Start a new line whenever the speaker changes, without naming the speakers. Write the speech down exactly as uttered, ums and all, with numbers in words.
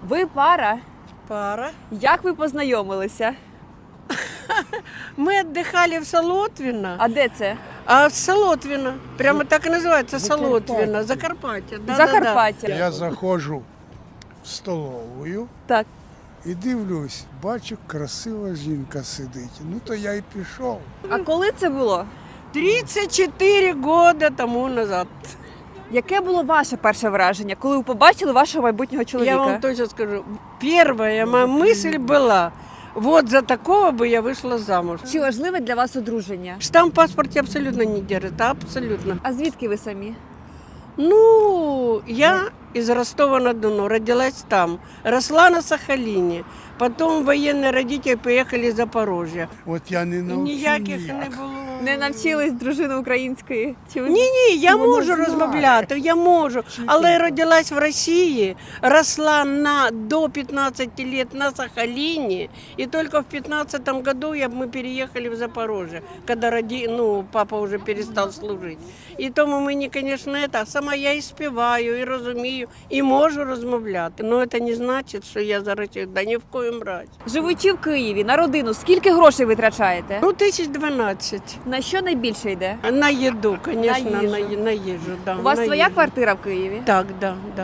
Ви пара.
Пара.
Як ви познайомилися?
Мы отдыхали в Солотвино.
А де це?
А в Солотвино. Прямо так и называется Солотвино. Закарпаття. Да,
Закарпаття.
Я заходжу в столовую
Так.
і дивлюсь, бачу, красива жінка сидить. Ну то я й пішов.
А коли це було?
тридцать четыре года тому назад.
Яке було ваше перше враження, коли ви побачили вашого майбутнього чоловіка?
Я вам точно скажу. Первая моя мысль была, вот за такого бы я вышла замуж.
Чи важливе для вас одруження?
Штамп в паспорте абсолютно не держит, абсолютно.
А звідки ви самі?
Ну, я из Ростова-на-Дону, родилась там, росла на Сахалине. Потом военные родители поехали в Запорожье.
От я не
І
навчив
ніяких
ніяк.
не було.
Не навчились дружини української? Чи ви...
Ні, ні, я
Вона
можу
знає.
розмовляти, я можу. Але
треба?
родилась в Росії, росла на, до пятнадцати лет на Сахалине, и только в пятнадцатом году я, мы переехали в Запорожье, когда роди, ну, папа уже перестал служить. І тому мені, конечно, это, сама я і співаю, і розумію, і можу розмовляти. Но це не значить, що я за Росію, да ні в коїм разі.
Живучи в Києві, на родину, скільки грошей витрачаєте?
Ну, тисяч дванадцять.
На що найбільше йде?
На їду, конечно,
На
на,
їжу.
на їжу. Да,
У вас
на
своя
їжу.
квартира в Києві?
Так, да, да.